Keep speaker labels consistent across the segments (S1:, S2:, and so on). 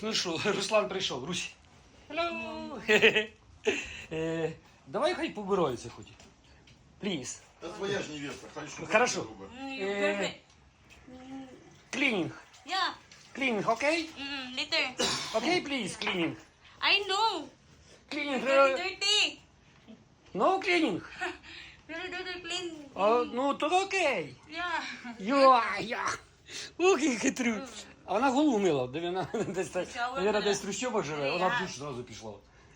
S1: Ну що, Руслан прийшов, Русь. Hello. Давай хай побираються хоч. Please.
S2: Это твоя же невеста.
S1: Хорошо.
S3: Perfect.
S1: Cleaning.
S3: Yeah.
S1: Cleaning, okay?
S3: Later.
S1: Okay, please, cleaning.
S3: I know.
S1: Cleaning.
S3: Very dirty.
S1: No cleaning.
S3: Very dirty clean.
S1: Ну, то окей.
S3: Yeah.
S1: Я. Ох, і хитрю. А вона голову мила, де вона десь, навіть, десь в трущобах живе, вона в душ одразу пішла.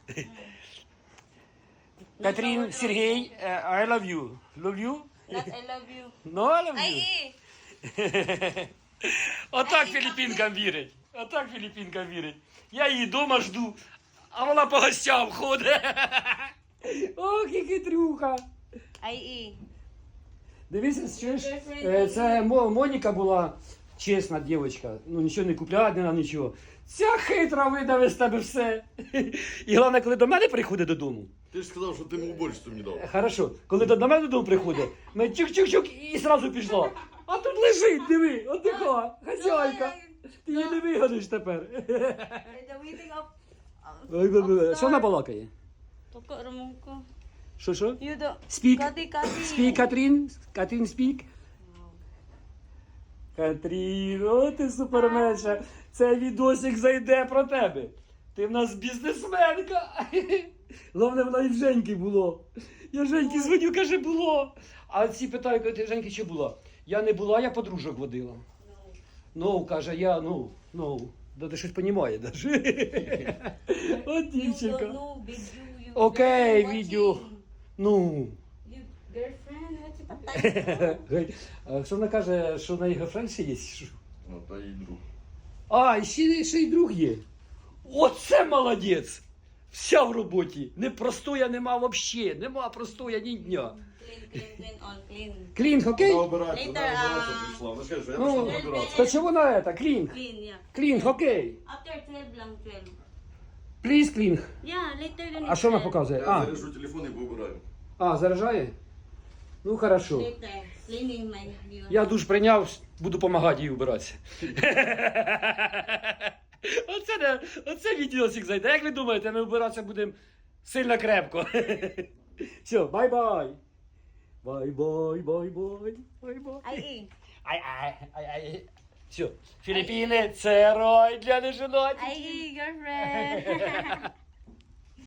S1: Катрін, Сергій, I love you. Love you?
S3: Not I love you.
S1: No, I love
S3: Ay,
S1: you. Отак філіппінкам вірить. Отак філіппінкам вірить. Я її вдома жду, а вона по гостям ходить. Ох, і хитрюха.
S3: Ay,
S1: Дивися, чуєш, це Моніка була чесна дівчинка. Ну нічого не купляє, не нічого. Ця хитра видавить з тебе все. І головне, коли до мене приходить додому.
S2: Ты же сказал, что ты ему уборщицу не дал.
S1: Хорошо, коли до мене додому приходить, ми чук-чук-чук і зразу пішла. А тут лежить, диви, отдиха, хазяйка. Ти її не вигониш тепер.
S3: the meeting of...
S1: Що вона балакає?
S3: Toko, Ramonko.
S1: Що?
S3: You do...
S1: Спік.
S3: Kati.
S1: Спік, Катрін. Катрін, спік. Катрін, о, ти суперменша. Цей відосик зайде про тебе. Ти в нас бізнесменка. Головне, вона і в Женьки було. Я Женьки дзвоню, каже, було. А ці питають, ти Женьки чи була? Я не була, я подружок водила. Ну, каже, я, да ти щось понімає даже. От дівчинка.
S3: No, video.
S1: Окей,
S3: Watching.
S1: відео. Ну.
S3: You girlfriend, what's your patay?
S1: А що вона каже, що в неї гефренд ще є? Що?
S2: Ну, то и друг.
S1: А, і ще й друг є. Оце молодець! Вся в роботі. Не простоя нема взагалі. Нема простоя ні дня.
S3: Clean, all clean.
S1: Клінг, окей?
S2: Она убирается,
S3: Later,
S2: убираться пришла. Она скажет, что я
S1: Ну,
S2: пришла убираться.
S1: то чого на це? Клінг.
S3: Clean, yeah.
S1: Клінг, окей.
S3: After 12 lang, 12.
S1: Пліз клінг.
S3: Yeah, later than
S1: А що вона
S3: 12.
S1: показує?
S2: Я
S1: А,
S2: заряжу телефон и поубираю.
S1: заряджає? Ну, хорошо.
S3: Later. Cleaning my view.
S1: Я душ прийняв, буду допомагати їй вбиратися. Оце відеосик зайде. Як ви думаєте, ми вбиратися будемо сильно крепко. Все, бай-бай. Бай-бай, бай-бай, бай-бай.
S3: Ay,
S1: Ай-ай. Все, Філіппіни – це рай для неженаті.
S3: Ay, girlfriend.